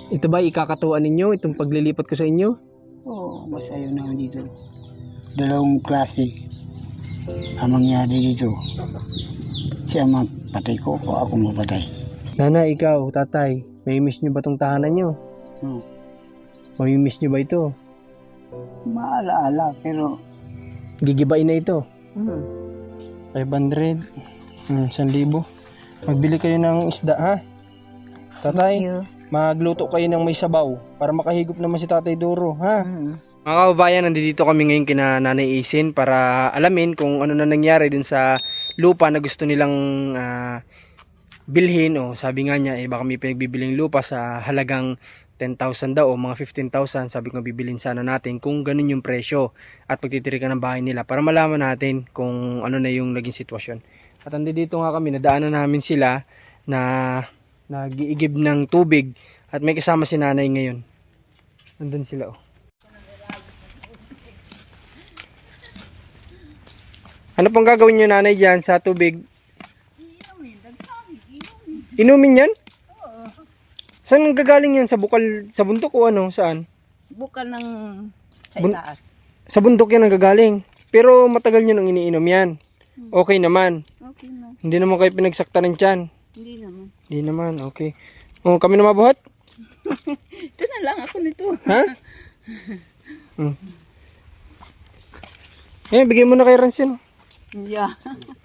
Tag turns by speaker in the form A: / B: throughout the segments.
A: Ito ba ikakatuwa ninyo, itong paglilipat ko sa inyo?
B: Oo, mas ayaw na dito. Dalawang klase ang mangyari dito. Siya mapatay ko o ako mapatay.
A: Nana, ikaw, tatay, may miss nyo ba itong tahanan nyo? Mamimiss nyo ba ito?
B: Maalaala, pero...
A: Gigibain na ito. 500. 1,000. Magbili kayo ng isda, ha? Tatay, magluto kayo ng may sabaw para makahigop naman si Tatay Duro, ha? Mga kababayan, nandito kami ngayon kina Nanay Isin para alamin kung ano na nangyari dun sa lupa na gusto nilang bilhin. O sabi nga niya, baka may pinagbibiling lupa sa halagang 10,000 daw o mga 15,000. Sabi ko bibilin sana natin kung ganun yung presyo at pagtitirikan ng bahay nila para malaman natin kung ano na yung naging sitwasyon. At nandito nga kami, nadaanan namin sila na nag-iigib ng tubig at may kasama si nanay ngayon. Nandun sila, oh. Ano pang gagawin nyo, nanay, dyan sa tubig? Inumin yan?
C: Oo.
A: Saan ang gagaling yan? Sa bukal, sa bundok o ano? Saan?
C: Bukal ng sa itaas.
A: Sa bundok yan ang gagaling. Pero matagal nyo nang iniinom yan. Okay naman.
C: Okay na.
A: Hindi naman kayo pinagsakta ng tiyan.
C: Hindi naman.
A: Hindi naman, okay. Oh, kami na mabuhat?
C: Ito na lang ako nito.
A: Ha? Bigay mo na kay Ransyon.
C: Yeah.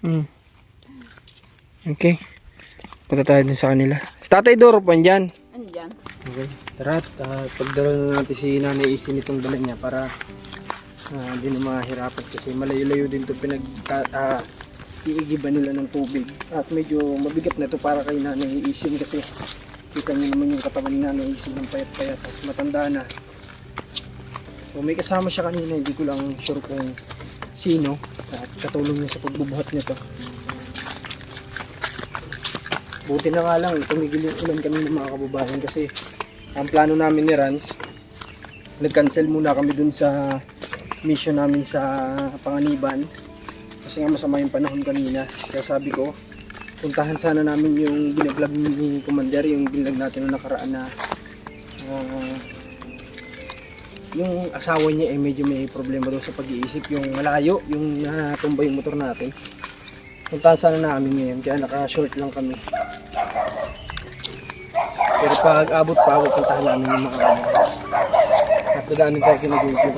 A: Okay. Punta tayo dun sa kanila. Si Tatay Doro pa andyan.
C: Andyan.
A: Okay. Tara, pagdala na natin si Nanay Isin itong dala niya para hindi na mahirapan kasi malayo-layo din ito iigiban nila ng tubig. At medyo mabigat na ito para kay Nanay Isin kasi kita niyo naman yung katawan ni Nanay Isin ng payat-payat tapos matanda na. So may kasama siya kanina, hindi ko lang sure kung sino at katulong niya sa pagbubuhat nito. Buti na nga lang tumigil yung ulan kami ng mga kababayan kasi ang plano namin ni Rans, nag-cancel muna kami dun sa mission namin sa Panganiban kasi nga masama yung panahon kanina. Kaya sabi ko, puntahan sana namin yung binablog ni Commander, yung binlog natin noong nakaraan na yung asawa niya medyo may problema daw sa pag-iisip, yung malayo, yung natumba yung motor natin. Puntahan sana namin ngayon kaya naka-short lang kami. Pero pag abot pa, puntahan namin yung mga at nagaanin tayo kinag-google.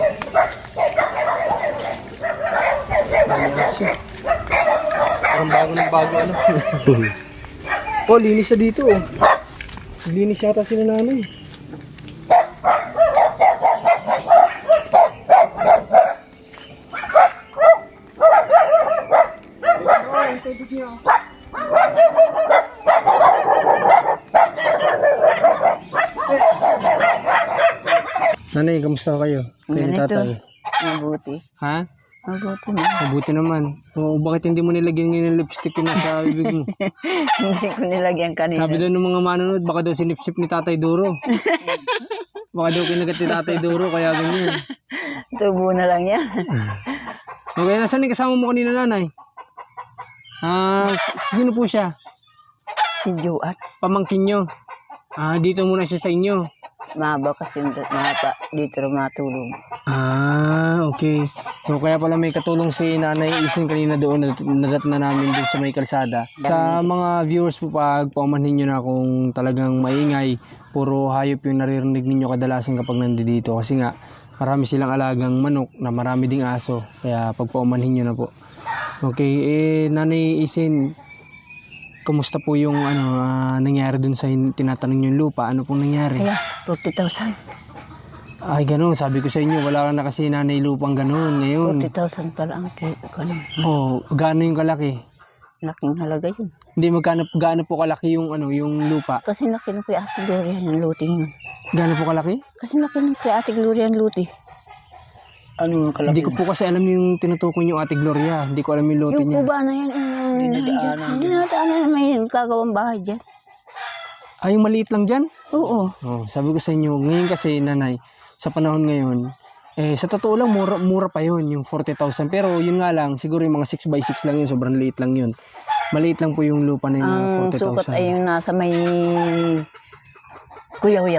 A: Parang bago ng bago ano. Oh, linis na dito oh. Linis yata sila nanay. Nanay, kamusta kayo? Kayo ni tatay?
C: Mabuti.
A: Ha?
C: Mabuti na.
A: Mabuti naman. O, bakit hindi mo nilagyan ngayon ng lipstick yung nasa bibig mo?
C: Hindi ko nilagyan kanina.
A: Sabi daw ng mga manonood, baka daw sinipsip ni Tatay Duro. Baka daw kinagat ni Tatay Duro, kaya ganyan.
C: Tubo na lang yan.
A: Okay, nasaan yung kasama mo kanina, nanay? Sino po siya?
C: Si Juat.
A: Pamangkin nyo. Dito muna siya sa inyo.
C: Mahaba kasi yung dito rin matulog.
A: Okay. So kaya pala may katulong si Nanay Isin kanina doon, nadat na namin doon sa may kalsada. Sa mga viewers po, pag paumanhin nyo na kung talagang maingay, puro hayop yung naririnig ninyo kadalasan kapag nandito. Kasi nga, marami silang alagang manok na marami ding aso. Kaya pag paumanhin nyo na po. Okay, Nanay Isin, kumusta po yung nangyari dun sa tinatanong yung lupa? Ano pong nangyari?
C: Kaya, 40,000.
A: Ay, ganun. Sabi ko sa inyo, wala na kasi nanay lupang ganun ngayon.
C: 40,000 pala ang kanin.
A: Oh, gaano yung kalaki?
C: Laking halaga yun.
A: Hindi, gaano po kalaki yung yung lupa?
C: Kasi laki ng kay Ate Gloria ng luting yun.
A: Gaano po kalaki?
C: Kasi laki ng kay Ate Gloria ng luti.
B: Ano yung kalaki?
A: Hindi ko po kasi alam yung tinutukoy yung Ate Gloria. Hindi ko alam yung lote
C: Yung
A: niya.
C: kuba na yan. Hindi na may kagawang bahay dyan.
A: Yung maliit lang dyan?
C: Oo.
A: Oh, sabi ko sa inyo, ngayon kasi nanay, sa panahon ngayon, sa totoo lang, mura pa yun, yung 40,000. Pero yun nga lang, siguro yung mga 6x6 lang yun, sobrang liit lang yun. Maliit lang po yung lupa na yung
C: Ang
A: 40,000.
C: sukat ay yung nasa may kuyaw-yaw.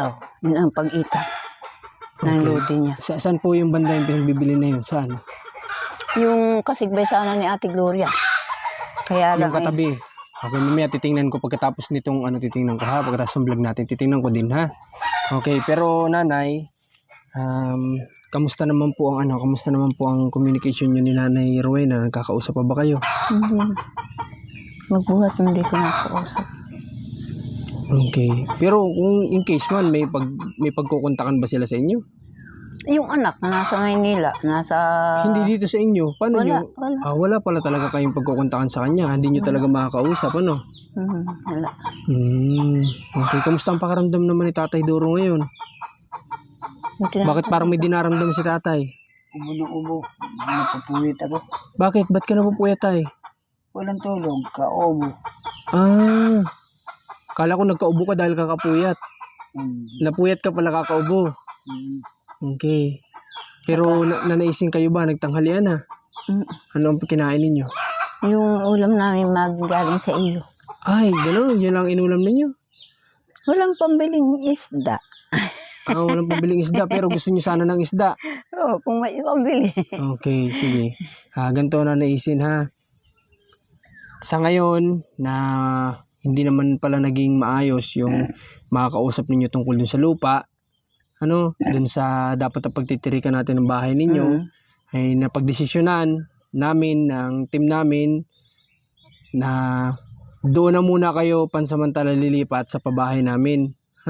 C: Yun ang pag-itan ng lote niya.
A: Saan po yung banda yung pinagbibili na yun? Saan?
C: Yung kasigbay sana ni Ate Gloria. Kaya lang
A: Yung katabi. Okay, mamaya titingnan ko pagkatapos nitong titingnan ko ha. Pagkatapos ng vlog natin, titingnan ko din ha. Okay, pero nanay, kamusta naman po ang communication niyo ni Nanay Rowena? Nagkakausap pa ba kayo?
C: hindi. Magbuhat hindi ko nakausap.
A: Okay. Pero kung in case man, may pagkukontakan ba sila sa inyo?
C: Yung anak na nasa Maynila, nasa...
A: Hindi dito sa inyo. Paano
C: Wala,
A: nyo?
C: wala.
A: Wala pala talaga kayong pagkukontakan sa kanya. Hindi nyo talaga makakausap, ano?
C: Wala.
A: Okay. Kamusta ang pakaramdam naman ni Tatay Doro ngayon? Bakit parang may dinaramdam si Tatay?
B: Ubo ng ubo. Napapuwit ako.
A: Bakit? Ba't ka napupuyat, Tay?
B: Walang tulog. Kaubo.
A: Kala ko nagkaubo ka dahil kakapuyat.
B: Hindi.
A: Napuyat ka pala kakaubo. Okay. Pero nanaisin kayo ba? Nagtanghalian na? Ano ang kinain ninyo?
C: Yung ulam namin magaling sa iyo.
A: Ay, gano'n. Yun lang inulam ninyo.
C: Walang pambiling isda.
A: Walang pabiling isda pero gusto niyo sana ng isda.
C: Oo, kung may pambili.
A: Okay, sige. Ganito na naisin ha. Sa ngayon na hindi naman pala naging maayos yung makakausap ninyo tungkol dun sa lupa, dun sa dapat na pagtitirikan natin ng bahay ninyo, ay napagdesisyonan namin ng team namin na doon na muna kayo pansamantala lilipat sa pabahay namin.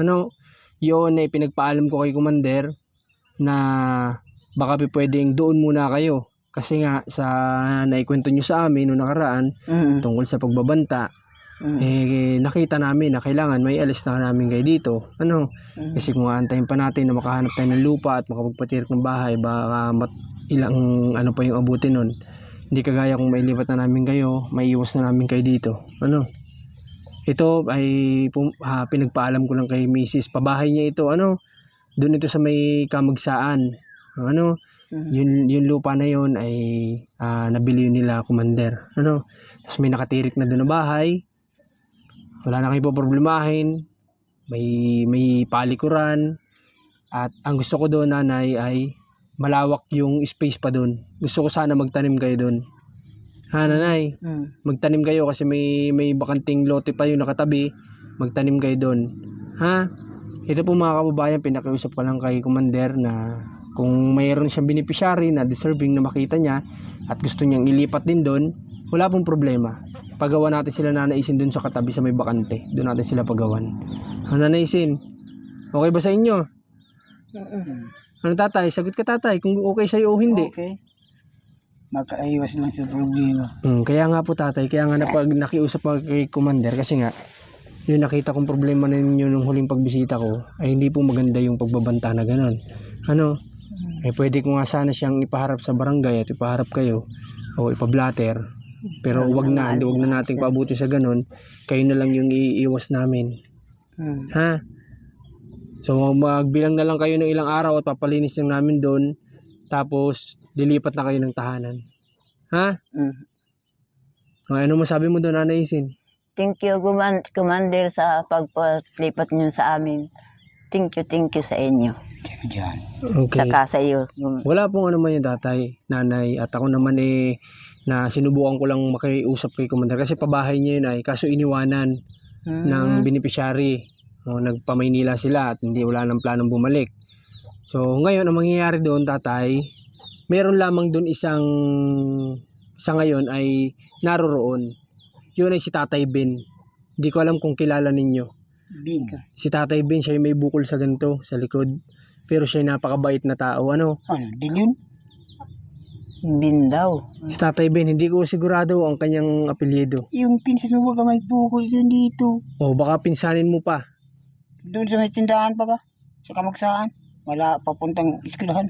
A: Yun ay pinagpaalam ko kay Commander na baka pwedeng doon muna kayo. Kasi nga sa naikwento nyo sa amin noong nakaraan tungkol sa pagbabanta, nakita namin na kailangan may alis na namin kayo dito. Kasi kung aantayin pa natin na makahanap tayo ng lupa at makapagpatirik ng bahay, baka ilang pa yung abutin nun. Hindi kagaya kung mailipat na namin kayo, maiiwas na namin kayo dito. Ito ay pinagpaalam ko lang kay Mrs. Pabahay niya ito. Doon ito sa may Kamagsaan. Yung lupa na yon ay nabili nila Commander. Tapos may nakatirik na doon na bahay. Wala na kayo problemahin. May palikuran. At ang gusto ko doon, nanay, ay malawak yung space pa doon. Gusto ko sana magtanim kayo doon. Nanay? Magtanim kayo kasi may bakanting lote pa yung nakatabi. Magtanim kayo doon. Ito po mga kababayan, pinakiusap ko lang kay Commander na kung mayroon siyang beneficiary na deserving na makita niya at gusto niyang ilipat din doon, wala pong problema. Pagawa natin sila nanaisin doon sa katabi sa may bakante. Doon natin sila pagawan. Nanaisin, okay ba sa inyo? Tatay? Sagot ka, tatay, kung okay sa'yo o hindi.
B: Okay. Makaiwas lang sa problema.
A: Kaya nga po, tatay, kaya nga nakiusap ako kay Commander kasi nga yung nakita kong problema ninyo nung huling pagbisita ko ay hindi po maganda yung pagbabanta na gano'n. Pwede ko nga sana siyang ipaharap sa barangay at ipaharap kayo o ipablatter. Pero wag na nating paabuti sa gano'n. Kayo na lang yung iiwas namin. So magbilang na lang kayo ng ilang araw at papalinis lang namin doon. Tapos lilipat na kayo ng tahanan. Ano masabi mo doon, Nanay Isin?
C: Thank you, Commander, sa pagpalipat niyo sa amin. Thank you sa inyo.
B: Diyan.
A: Okay.
C: Saka sa iyo.
A: Wala pong ano man yung tatay, nanay. At ako naman na sinubukan ko lang makiusap kay Commander. Kasi pabahay niya yun kaso iniwanan ng beneficiary. Nagpamaynila sila at wala nang planong bumalik. So ngayon, ang mangyayari doon, tatay, meron lamang doon sa ngayon ay naroroon. Yun ay si Tatay Ben. Hindi ko alam kung kilala ninyo.
B: Bin.
A: Si Tatay Ben, siya yung may bukol sa ganito, sa likod. Pero siya yung napakabait na tao.
B: Din yun?
C: Bin daw.
A: Si Tatay Ben, hindi ko sigurado ang kanyang apelyido.
B: Yung pinsan mo ba may bukol yun dito?
A: Baka pinsanin mo pa.
B: Doon sa may tindahan pa ba? Sa Kamagsaan? Wala papuntang eskwelahan.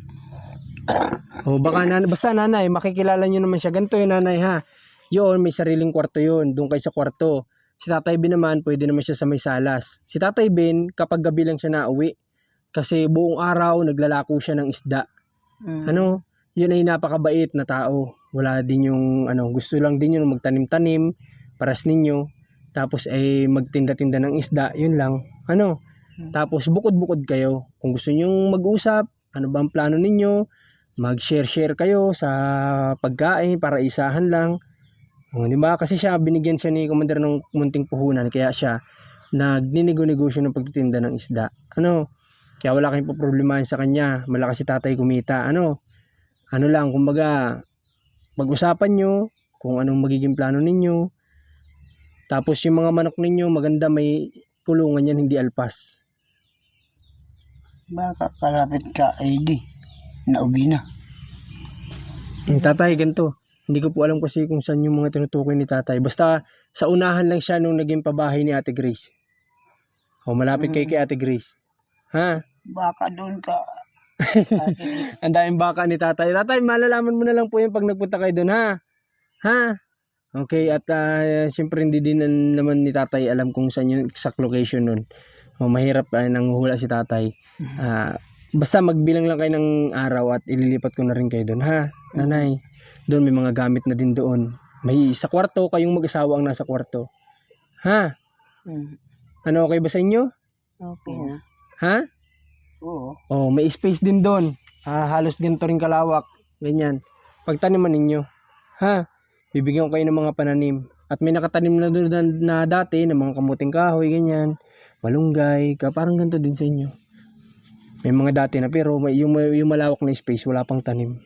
A: Baka basta nanay, makikilala nyo naman siya. Ganito yun, nanay, ha. Yun, may sariling kwarto yun. Doon kayo sa kwarto. Si Tatay Ben naman, pwede naman siya sa may salas. Si Tatay Ben, kapag gabi lang siya nauwi. Kasi buong araw, naglalako siya ng isda. Yun ay napakabait na tao. Wala din yung, gusto lang din yun magtanim-tanim, paras ninyo. Tapos ay magtinda-tinda ng isda, yun lang. Tapos bukod-bukod kayo. Kung gusto nyong mag-usap, ano ba ang plano ninyo? Mag-share kayo sa pagkain para isahan lang. O, di ba? Kasi siya, binigyan siya ni Commander ng munting puhunan. Kaya siya, nagninego-negosyo ng pagtitinda ng isda. Ano? Kaya wala kayong poproblemahin sa kanya. Malakas si tatay kumita. Ano lang, kumbaga, pag-usapan nyo kung anong magiging plano ninyo. Tapos yung mga manok ninyo, maganda may kulungan yan, hindi alpas.
B: Baka kalapit ka ID. Nauwi na.
A: Tatay, ganito. Hindi ko po alam kasi kung saan yung mga tinutukoy ni tatay. Basta sa unahan lang siya nung naging pabahay ni Ate Grace. O malapit kay Ate Grace. Ha?
B: Baka doon ka.
A: Ang daming baka ni tatay. Tatay, malalaman mo na lang po yun pag nagpunta kayo doon, ha? Ha? Okay, at siyempre hindi din naman ni tatay alam kung saan yung exact location nun. O mahirap nang hula si tatay. Basta magbilang lang kayo ng araw at ililipat ko na rin kayo doon, ha? Nanay, doon may mga gamit na din doon. May sa kwarto, kayong mag-asawa ang nasa kwarto. Ha? Ano, okay ba sa inyo?
C: Okay na.
A: Ha?
B: Oo.
A: Oh, may space din doon. Halos ganito rin kalawak. Ganyan. Pagtaniman ninyo. Ha? Bibigyan ko kayo ng mga pananim. At may nakatanim na doon na dati ng mga kamuting kahoy, ganyan. Malunggay, parang ganito din sa inyo. May mga dati na pero yung malawak na space, wala pang tanim.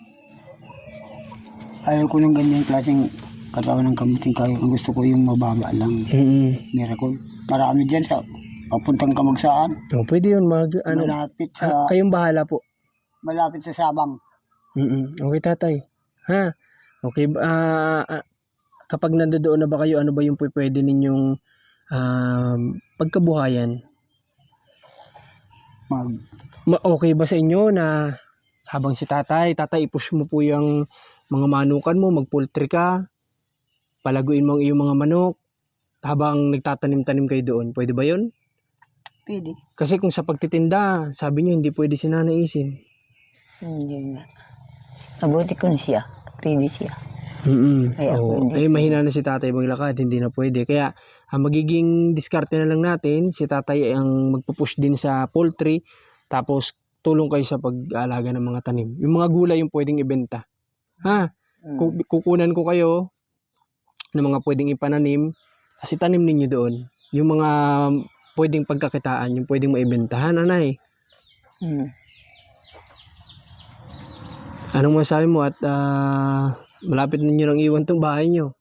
B: Ayaw ko ng ganyan klaseng katawan ng kamuting kayo. Ang gusto ko yung mababa lang. Miracle. Marami dyan sa papuntang Kamagsaan.
A: Oh, pwede yun.
B: Malapit sa
A: Kayong bahala po.
B: malapit sa Sabang.
A: Okay, tatay. Ha? Okay. Kapag nandoon na ba kayo, ano ba yung pwede ninyong pagkabuhayan? Okay ba sa inyo na habang si tatay, i-push mo po yung mga manukan mo, mag-poultry ka, palaguin mo ang iyong mga manok, habang nagtatanim-tanim kayo doon. Pwede ba yun?
B: Pwede.
A: Kasi kung sa pagtitinda, sabi niyo hindi pwede si Nanay Isin.
C: Hindi nga. Mabuti ko na siya. Pwede siya. Kaya
A: Mahina na si tatay maglakad, hindi na pwede. Kaya ang magiging diskarte na lang natin, si tatay ang magpupush din sa poultry, tapos tulong kayo sa pag-aalaga ng mga tanim. Yung mga gulay yung pwedeng ibenta. Ha? Kukunan ko kayo ng mga pwedeng ipananim, kasi tanim ninyo doon. Yung mga pwedeng pagkakitaan, yung pwedeng maibenta. Ha, Nanay? Anong masabi mo at malapit ninyo nang iwan tong bahay nyo?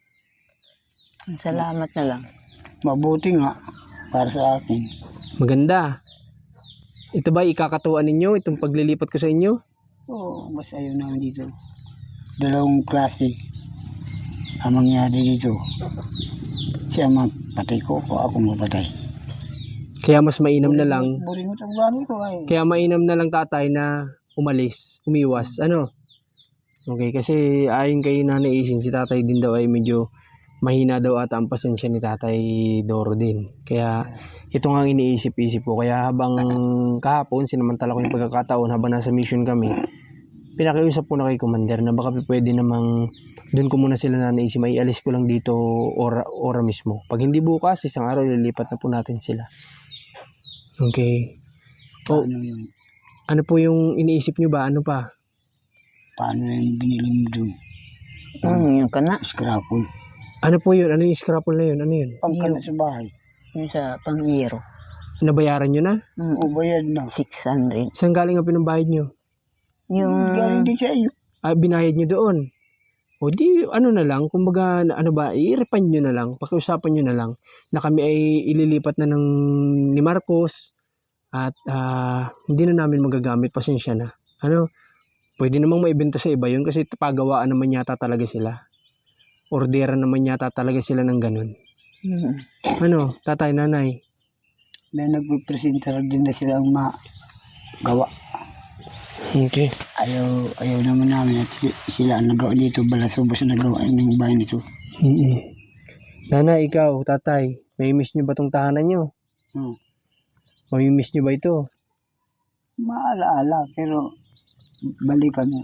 C: Salamat na lang.
B: Mabuti nga para sa akin.
A: Maganda. Ito ba ikakatuwa ninyo, itong paglilipat ko sa inyo?
B: Oo, mas ayaw na dito. Dalawang klase ang mangyari dito. Siya mapatay ko o ako mapatay.
A: Kaya mas mainam na lang.
B: Buringot ang gano'n ko ay.
A: Kaya mainam na lang tatay na umiwas. Ano? Okay, kasi ayon kay Nanay Isin, si tatay din daw ay medyo mahina daw ata ang pasensya ni Tatay Doro din. Kaya ito nga ang iniisip-isip ko. Kaya habang kahapon, sinamantala ko yung pagkakataon habang nasa mission kami, pinakiusap ko na kay Commander na baka pwede namang doon ko muna sila Nanay Isin, may alis ko lang dito ora mismo. Pag hindi bukas, isang araw lilipat na po natin sila. Okay. Oh,
B: Paano yun?
A: ano po yung iniisip nyo ba? Ano pa?
B: Paano yung binili mo doon?
C: Yung kana.
B: Scrapple.
A: Ano po yun? Ano yung scrapple na yun? Ano yun?
B: Pangkana sa bahay.
C: Yung sa pang-iro.
A: Nabayaran nyo na?
B: O bayad na.
C: 600.
A: Saan galing ang pinambayad nyo?
C: Yung
B: Galing din sa iyo.
A: Binayad nyo doon. O di, ano na lang, kumbaga, ano ba, i-refund nyo na lang, pakiusapan nyo na lang, na kami ay ililipat na ni Marcos, at hindi na namin magagamit, pasensya na. Ano, pwede namang maibenta sa iba yun, kasi pagawaan naman yata talaga sila. Orderan naman yata talaga sila ng ganun. Ano, tatay, nanay?
B: May nagpipresenta din na silang magawa.
A: Okay.
B: Ayaw naman namin at sila ang nagawa dito. Balasubos na nagawa ng bahay nito.
A: Nanay, ikaw, tatay, may miss nyo ba itong tahanan nyo? Mamimiss nyo ba ito?
B: Maalaala pero balikan na.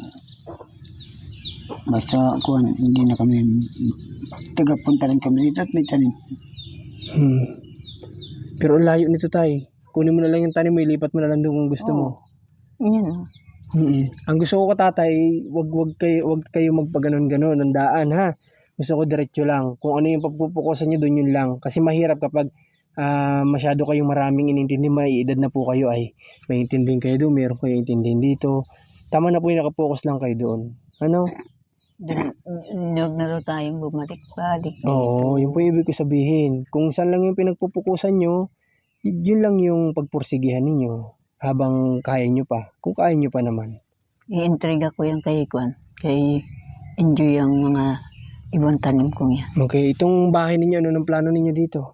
B: Basta kuhan, hindi na kami tagapunta rin kami dito at may tanim.
A: Pero ang layo nito, tay. kunin mo na lang yung tanim mo, ilipat mo na lang doon kung gusto mo.
C: Yun.
A: Ang gusto ko tatay, wag kayo magpaganon-ganon ng daan ha. Gusto ko diretso lang. Kung ano yung papupukusan niyo doon, yun lang. Kasi mahirap kapag masyado kayong maraming inintindi, may edad na po kayo ay may intindihin kayo doon, meron kayo intindihin dito. Tama na po yung nakapokus lang kayo doon. Ano?
C: Huwag na raw tayong bumalik-balik.
A: Oo, yun po yung ibig ko sabihin. Kung saan lang yung pinagpupukusan nyo, yun lang yung pagpursigihan ninyo habang kaya nyo pa. Kung kaya nyo pa naman.
C: I-intriga ko yan kay Kwan. Kay enjoy ang mga ibang tanim kong yan.
A: Okay, itong bahay ninyo, ano ng plano ninyo dito?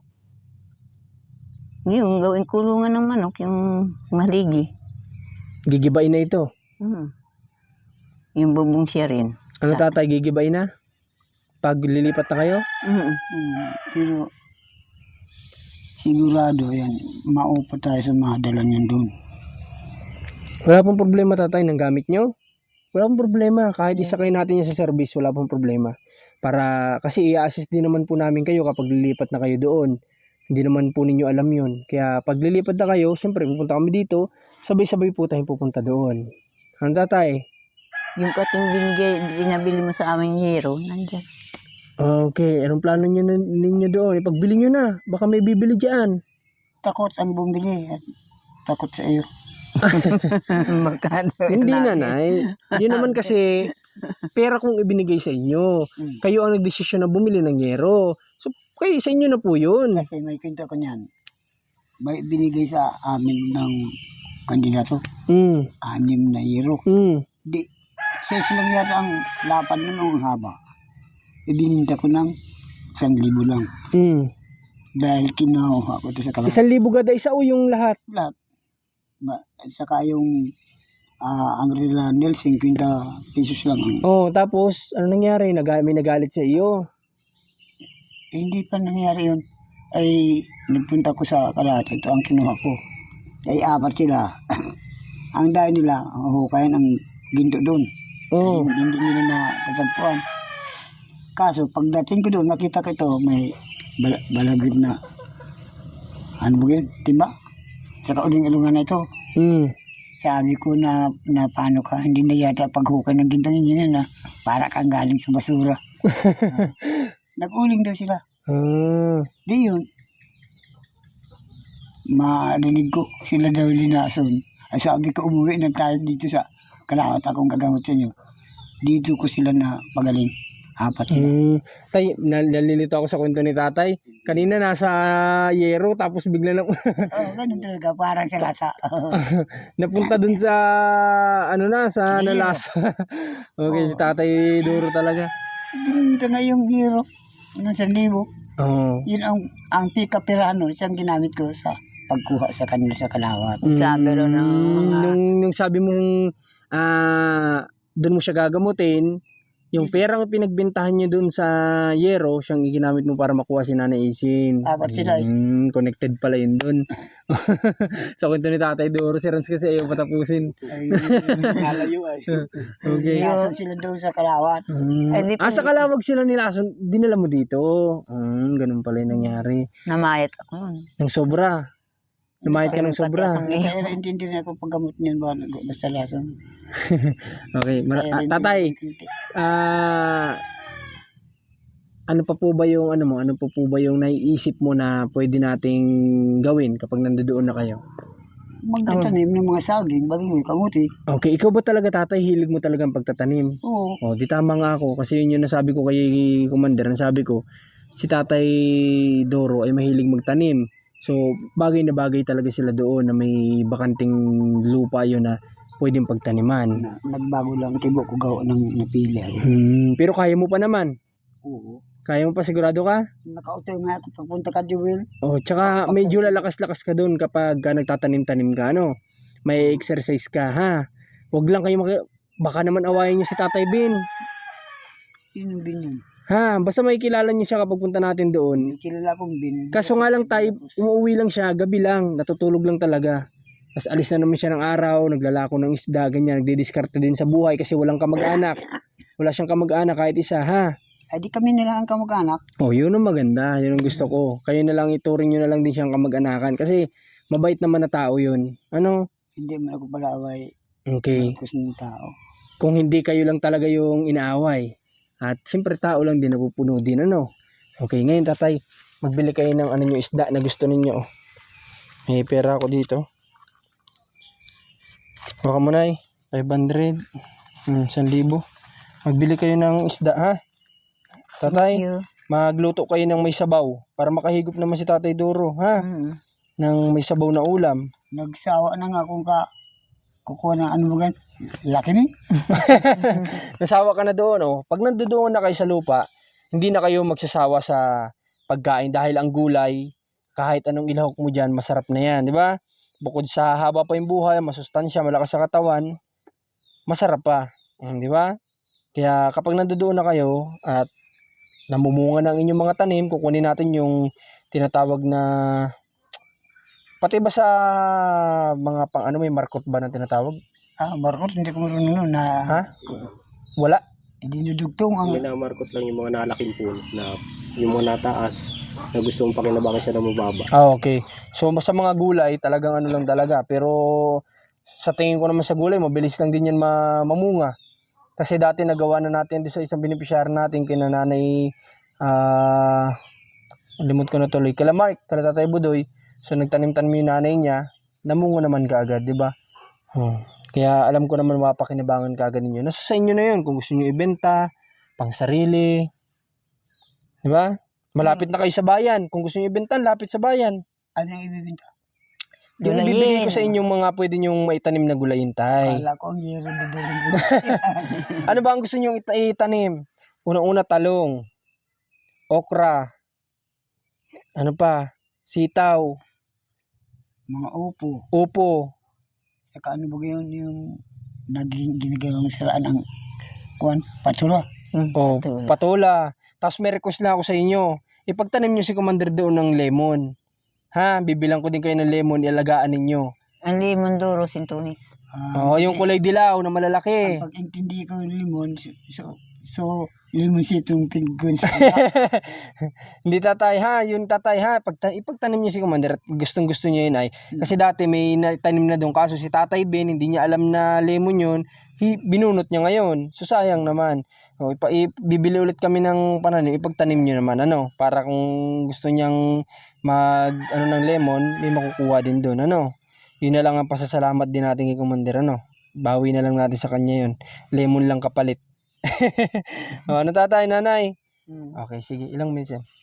C: Yung gawin kulungan ng manok, yung maligi.
A: Gigibain na ito.
C: Yung bubong siya rin.
A: Ano tatay, gigibain na? Pag lilipat na kayo?
B: Pero sigurado yan, maupa tayo sa mga dala niyan doon.
A: Wala pong problema tatay ng gamit nyo? Wala pong problema. Kahit isa kayo natin yan sa service, wala pong problema. Kasi i-assist din naman po namin kayo kapag lilipat na kayo doon. Hindi naman po ninyo alam yun. Kaya pag lilipat na kayo, siyempre pupunta kami dito, sabay-sabay po tayong pupunta doon. Ano tatay?
C: Yung kating binabili mo sa aming hero, nandyan.
A: Okay, anong plano ninyo doon? Ipagbili nyo na. Baka may bibili dyan.
B: Takot ang bumili at takot sa iyo.
C: Magkano?
A: Hindi na, Nay. Hindi naman kasi pera kong ibinigay sa inyo. Kayo ang nagdesisyon na bumili ng yero. So, kayo sa inyo na po yun.
B: Kasi may kwento ko niyan. May binigay sa amin ng kandidato. 6 na euro. Di, 6 lang yata ang lapan nun ang haba. Ibininta ko ng 1,000 lang. Dahil kinuha ko ito sa kalahati.
A: 1,000 gada isa o yung lahat?
B: Lahat. Saka yung ang relanel, 50 pesos lang.
A: Tapos, ano nangyari? May nagalit sa iyo.
B: Hindi pa nangyari yun. Ay, nagpunta ko sa kalahati. Ito ang kinuha ko. Ay, 4 sila. Ang dahil nila, ang hukayan ang ginto doon. Hindi nila na tatagpuan. Kaso, pagdating ko doon, nakita ko ito, may balagrid na, ano ba yun, timba? Sa kauling ilungan na ito. Sabi ko na paano ka, hindi na yata paghukay ng gintang yun na para kang galing sa basura. Nag-uling daw sila. Di yun. Marinig ko, sila daw linason. Ay sabi ko, umuwi na tayo dito sa Kalawat, akong gagamot sa inyo. Dito ko sila na pagaling. 4 sila.
A: Tay, nalilito ako sa kwento ni tatay. Kanina nasa yero, tapos bigla na
B: Ganun talaga, parang sa lasa.
A: napunta dun sa sa nalasa. Okay, si tatay duro talaga.
B: Ginto nga yung hero. Nung 1,000. Yun ang pika-pirano, siyang ginamit ko sa pagkuha sa kanila sa Kalawat.
C: Sabi ro ng
A: Nung sabi mong doon mo siya gagamutin, yung perang pinagbentahan niyo doon sa yero, siyang ginamit mo para makuha si Nanay Isin.
B: 4 sila.
A: Connected pala yun doon. Sa kwento ni Tatay Doro, si Rans kasi ayaw patapusin.
B: Ay, nalayo ay.
A: Okay.
B: Nilason sila doon sa Kalawat.
A: Sa Kalawag sila nilason, dinala mo dito. Ganun pala yung nangyari.
C: namayat ako nun.
A: Ng sobra. Lumayad ka ng sobra.
B: Kaya naintindi na ako paggamot niyan ba, basta lason.
A: Okay. Tatay, ano pa po ba yung naiisip mo na pwede nating gawin kapag nandoon na kayo?
B: Magtatanim ng mga saging, balingoy, kamuti.
A: Okay, ikaw ba talaga tatay, hilig mo talagang pagtatanim?
B: Oo.
A: Di tama nga ako kasi yun yung nasabi ko kay Commander, nasabi ko si Tatay Doro ay mahilig magtanim. So, bagay na bagay talaga sila doon na may bakanting lupa yun na pwedeng pagtaniman.
B: Nagbago lang tibo ko gawa ng napili.
A: Pero kaya mo pa naman.
B: Oo.
A: Kaya mo pa, sigurado ka?
B: Nakauto nga ako papunta ka, Jewel.
A: Tsaka medyo lalakas-lakas ka doon kapag nagtatanim-tanim ka, no? May exercise ka, ha? Huwag lang kayo baka naman awayin niyo si Tatay Bin.
B: Yun bin yun.
A: Basta may kilala niyo siya kapag punta natin doon.
B: May kilala kong bin.
A: Kaso nga lang tayo, umuwi lang siya, gabi lang, natutulog lang talaga. Tapos alis na naman siya ng araw, naglalako ng isda, ganyan, nagdidiskarte din sa buhay kasi walang kamag-anak. Wala siyang kamag-anak kahit isa, ha?
B: Ay di kami nila ang kamag-anak.
A: Yun ang maganda, yun ang gusto ko. Kayo na lang, ituring nyo na lang din siyang kamag-anakan kasi Mabait naman na tao yun. Ano?
B: Hindi man ako palaway.
A: Okay.
B: Gusto ng tao.
A: Kung hindi kayo lang talaga yung inaaway. At siyempre tao lang din, napupuno din. Ano? Okay, ngayon tatay, magbili kayo ng ano nyo, isda na gusto ninyo. May pera ako dito. Baka mo na 500. 1,000. Magbili kayo ng isda, ha? Tatay,
C: Thank you.
A: magluto kayo ng may sabaw para makahigop naman si Tatay Doro, ha?
C: Mm.
A: Ng may sabaw na ulam.
B: Nagsawa na nga kung kukuha ng ano ba gan. Laki ni.
A: Nasawa ka na doon, oh. Pag nandoon na kayo sa lupa, hindi na kayo magsasawa sa pagkain dahil ang gulay, kahit anong ilahok mo dyan, masarap na yan, di ba? Bukod sa haba pa yung buhay, masustansya, malakas sa katawan, masarap pa, di ba? Kaya kapag nandoon na kayo at namumunga ng inyong mga tanim, kukunin natin yung tinatawag na pati ba sa mga pang ano, may markot ba na tinatawag?
B: Markot, hindi ko marunong nun na
A: Ha? Wala.
B: dinudugtong ang
D: Minamarkot lang yung mga nalaking pool na yung mga nataas na gusto mong pakinabangan siya na mababa.
A: Okay. So sa mga gulay, talagang ano lang talaga. Pero sa tingin ko naman sa gulay, mabilis lang din yan mamunga. Kasi dati nagawa na natin doon sa isang beneficiary natin, kina nanay, limot ko na tuloy, kila Mark, kila Tatay Budoy. So nagtanim-tanim yung nanay niya, namunga naman kaagad, di ba? Kaya alam ko naman mapakinabangan kaagad ninyo. Nasa sa inyo na yun kung gusto nyo ibenta, pang sarili. Di ba? Malapit na kayo sa bayan. Kung gusto nyo ibenta, lapit sa bayan.
B: ano yung ibibinta.
A: Yung
C: Gulayin.
A: ibibigay ko sa inyong mga pwede nyong maitanim na gulayin, tay.
B: Kala ko ang yero dudulong.
A: Ano ba ang gusto nyong itanim? Unang-una, talong, okra, ano pa, sitaw,
B: Mga upo.
A: upo,
B: Saka ano ba yun yung ginagawang saraan ang patsura.
A: o patola. Tapos may request lang ako sa inyo. Ipagtanim nyo si Commander doon ng lemon. Ha? Bibilang ko din kayo ng lemon, ilagaan ninyo.
C: Ang limon duro, sintunis.
A: Oo, yung kulay dilaw na malalaki.
B: Pag intindi ko yung limon, so limon sitong pingon sa
A: Hindi tatay ha, yung tatay ha, ipagtanim niyo si Commander at gustong gusto niya yun ay. Kasi dati may tanim na doon, kaso si Tatay Ben, hindi niya alam na lemon yun, binunot niya ngayon. So sayang naman. O, bibili ulit kami ng pananim, ipagtanim niyo naman, ano, para kung gusto niyang ano ng lemon, may makukuha din doon, ano. Yun na lang ang pasasalamat din natin kay Commander, ano. Bawi na lang natin sa kanya yun. Lemon lang kapalit. O, ano tatay, nanay? Okay, sige. Ilang minutes yan?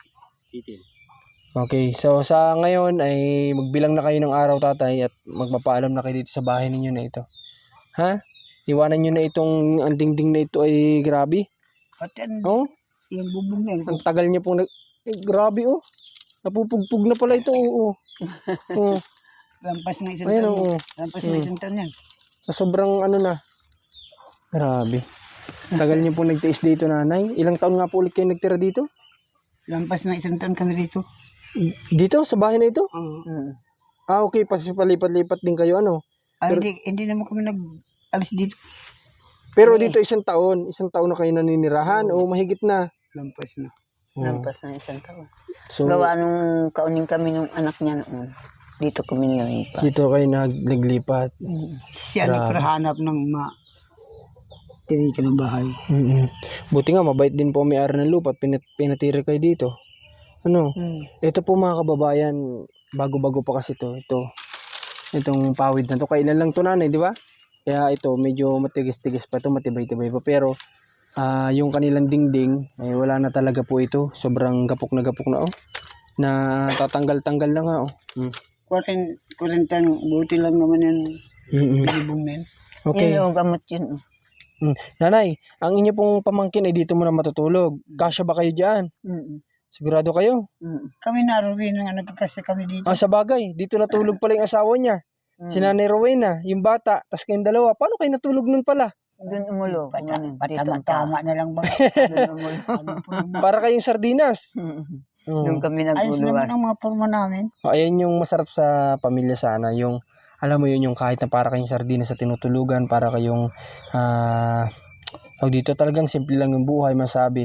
D: 18.
A: Okay, so sa ngayon ay magbilang na kayo ng araw tatay at magpapaalam na kayo dito sa bahay ninyo na ito. Ha? Iwanan nyo na itong ang dingding na ito ay grabe.
B: At yan,
A: Oh,
B: yung bubong na yun.
A: ang tagal niya pong grabe oh. Napupugpug na pala ito. Oo. Oh.
B: Lampas na isang
A: Ayun
B: taon.
A: oh.
B: Lampas na isang taon yan.
A: Sa sobrang ano na. Grabe. Tagal niyo pong nagtiis dito nanay. Ilang taon nga po ulit kayo nagtira dito?
B: Lampas na isang taon kami dito.
A: Dito sa bahay na ito?
C: Mm.
A: Okay, palipat-lipat din kayo ano.
B: Hindi naman kami nag-alis dito.
A: Pero dito isang taon na kayo naninirahan o mahigit na.
B: Lampas na.
C: Lampas na isang taon.
A: So,
C: Gawa nung kaunin kami ng anak niya noon. Dito kami nilipat.
A: dito kayo naglipat.
B: Siya
A: Grabe.
B: nagprahanap ng tirika ng bahay.
A: Buti nga, mabait din po ang may-ari ng lupa at pinatira kayo dito. Ano? Ito po mga kababayan, bago-bago pa kasi ito. Itong pawid na to. Kailan lang to nanay, di ba? Kaya ito, medyo matigas-tigas pa ito, matibay-tibay pa. Pero, yung kanilang dingding, ay wala na talaga po ito. Sobrang gapok na oh. Na tatanggal-tanggal na nga oh.
B: 40 buti lang naman yung bubong na yun.
A: Okay.
C: Yung gamot yun.
A: Nanay, ang inyo pong pamangkin ay dito muna matutulog. Kasya ba kayo dyan? Sigurado kayo?
B: Kami na Rowena nga nagkakasya kami dito.
A: Sa bagay, dito natulog pala yung asawa niya. Si Nanay Rowena, yung bata, tas kayong dalawa. Paano kayo natulog nun pala?
C: Doon umulo.
B: Patama na lang ba?
C: Doon umulo.
A: Para kayong sardinas.
C: Doon kami
B: Ayos naman
C: naguluan.
B: ang mga forma namin.
A: Ayan yung masarap sa pamilya sana. Yung, alam mo yun, yung kahit na para kayong sardinas sa tinutulugan, para kayong, dito talagang simple lang yung buhay, masabi.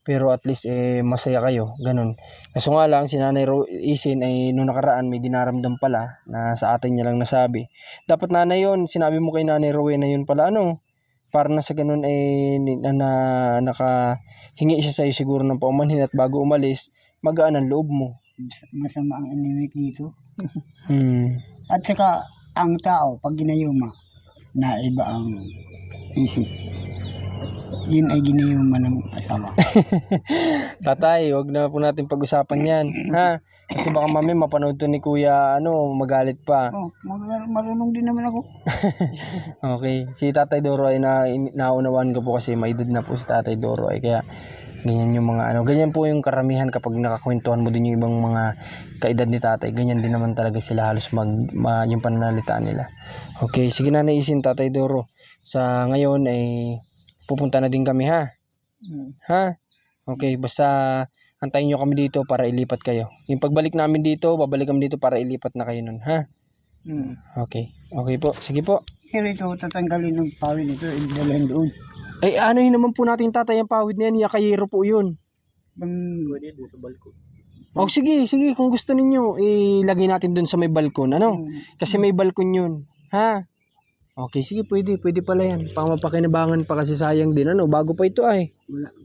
A: pero at least masaya kayo, ganun. Kaso nga lang, si Nanay Isin ay nung nakaraan may dinaramdam pala na sa atin niya lang nasabi. Dapat nanay yun, sinabi mo kay Nanay Rowena yun pala, para na sa ganun nakahingi siya sa'yo siguro ng paumanhin at bago umalis, magaan ang loob mo.
B: Masama ang inimik dito.
A: Hmm.
B: At saka, ang tao, pag ginayuma, naiba ang isip. Yun ay ginayuma ng asawa.
A: Tatay, wag na po natin pag-usapan yan, ha? Kasi baka mami mapanood to ni Kuya, magalit pa.
B: Marunong din naman ako.
A: Okay, si Tatay Doro ay naunawaan ko po kasi may edad na po si Tatay Doro ay kaya ganyan yung mga ganyan po yung karamihan kapag nakakwentuhan mo din yung ibang mga kaedad ni Tatay, ganyan din naman talaga sila halos yung pananalita nila. Okay, sige na naisin Tatay Doro. Sa ngayon ay pupunta na din kami, ha? Ha? Okay, basta antayin nyo kami dito para ilipat kayo. Yung pagbalik namin dito, babalik kami dito para ilipat na kayo nun, ha? Okay. Okay po. Sige po.
B: Pero ito, tatanggalin ng pawin ito, idalhin doon.
A: Ay, anuhin naman po natin Tatay ang pawid na yan. Yakayero po yun.
D: Pwede dun sa balkon.
A: Oh, sige. Kung gusto ninyo, ilagay natin dun sa may balkon. Kasi may balkon yun. Ha? Okay, sige. Pwede pala yan. Pamapakinabangan pa kasi sayang din. Bago pa ito ay.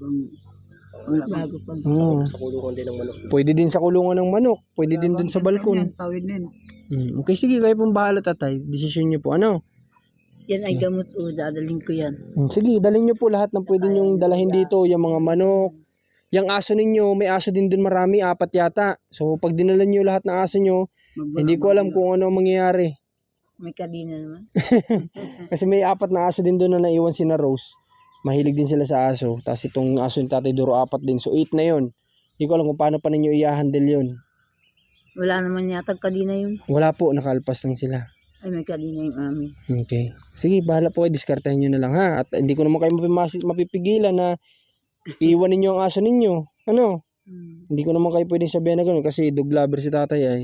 B: Wala bang,
D: Sa kulungan din ng manok.
A: Pwede din sa kulungan ng manok. Pwede din dun sa balkon.
B: pawid na yun.
A: Okay, sige. Kayo pong bahala Tatay. Desisyon nyo po.
C: Yan ay gamot o dadaling ko yan.
A: Sige, dalhin nyo po lahat ng pwede nyong dalahin dito. Yung mga manok. Yung aso ninyo, may aso din dun marami, 4 yata. So, pag dinala nyo lahat ng aso nyo, hindi ko alam kung ano ang mangyayari.
C: May kadina naman.
A: Kasi may 4 na aso din dun na naiwan si na Rose. Mahilig din sila sa aso. Tapos itong aso ni Tatay Doro, 4 din. So, 8 na yun. Hindi ko alam kung paano pa ninyo i-handle yun.
C: Wala naman yata kadina yun.
A: Wala po, nakalpas lang sila.
C: Ay, may kadina yung amin.
A: Okay. Sige, bahala po kayo. Diskartahin nyo na lang, ha? At hindi ko naman kayo mapipigilan na iwan ninyo ang aso ninyo. Hindi ko naman kayo pwedeng sabihan na gano'n kasi dog lover si Tatay ay.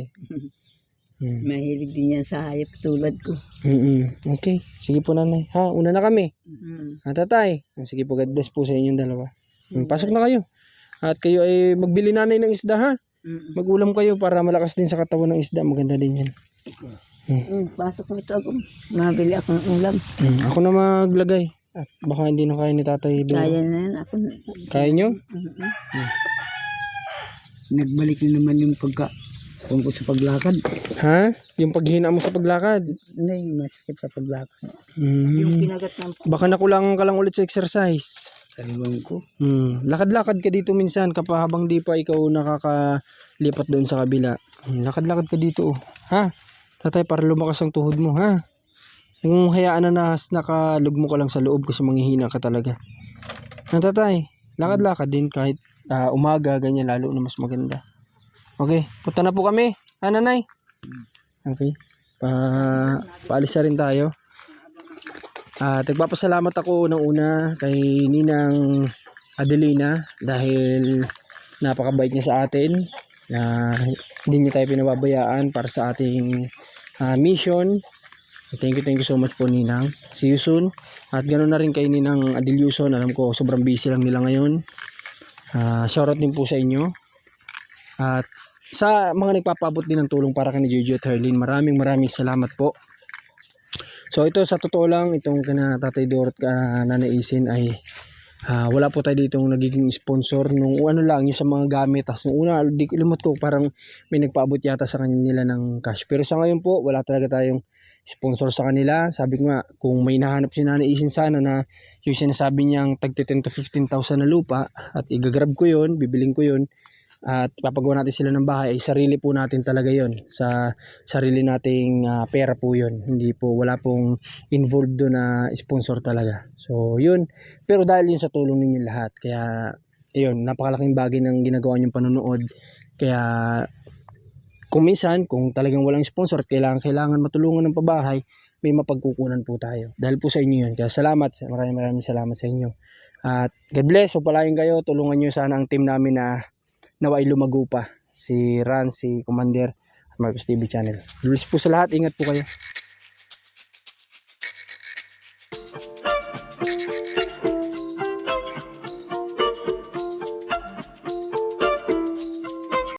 C: Mahilig din yan sa hayop tulad ko.
A: Okay. Sige po nanay. Ha, una na kami.
C: Mm.
A: Tatay. Sige po, God bless po sa inyong dalawa. Pasok na kayo. At kayo ay magbili nanay ng isda, ha? Mag-ulam kayo para malakas din sa katawan ng isda. Maganda din yan.
C: Pasok mo ito ako. Mabili ako ng ulam.
A: Ako na maglagay. At baka hindi na kaya ni Tatay doon.
C: Kaya na yan. Ako.
A: Kaya nyo?
B: Nagbalik na naman yung tungkol sa paglakad.
A: Ha? Yung paghina mo sa paglakad?
B: Hindi, masakit sa paglakad.
C: Yung kinagat ng
A: Baka nakulangan ka lang ulit sa exercise.
B: Kaliwan ko.
A: Lakad-lakad ka dito minsan kapag habang di pa ikaw nakakalipat doon sa kabila. Lakad-lakad ka dito. Ha? Tatay, para lumakas ang tuhod mo, ha? Kung hayaan na nakalugmo ka lang sa loob kasi manghihina ka talaga. Tatay, lakad-lakad din kahit umaga, ganyan, lalo na mas maganda. Okay, punta na po kami. Nanay? Okay. Paalis na rin tayo. Nagpapasalamat ako unang-una kay Ninang Adelina dahil napakabait niya sa atin. Hindi niya tayo pinababayaan para sa ating mission. Thank you so much po Ninang. See you soon. At ganoon na rin kay Ninang Adelyuson. Alam ko sobrang busy lang nila ngayon. Shoutout din po sa inyo. At sa mga nagpapabot din ng tulong para kay Jojo at Herlin, maraming salamat po. So ito sa totoo lang, itong kina Tatay Doro at Nanay Isin ay wala po tayo ditong nagiging sponsor nung lang yung sa mga gamit. Tapos nung una, limot ko parang may nagpaabot yata sa kanila ng cash. Pero sa ngayon po, wala talaga tayong sponsor sa kanila. Sabi ko nga, kung may nahanap si Nanay Isin sana na yung sinasabi niyang tag 10,000 to 15,000 na lupa at igagrab ko yun, bibiling ko yun at papagawa natin sila ng bahay, ay sarili po natin talaga yon, sa sarili nating pera po yon, hindi po, wala pong involved doon na sponsor talaga. So yun, pero dahil yun sa tulong ninyo lahat, kaya yun, napakalaking bagay ng ginagawa niyong panonood. Kaya kung minsan, kung talagang walang sponsor at kailangan matulungan ng pabahay, may mapagkukunan po tayo dahil po sa inyo yun. Kaya salamat, maraming salamat sa inyo at God bless. So palain kayo, tulungan nyo sana ang team namin na naway lumago pa, si Ran, si Commander at Marcos TV Channel. Bless po sa lahat, ingat po kayo.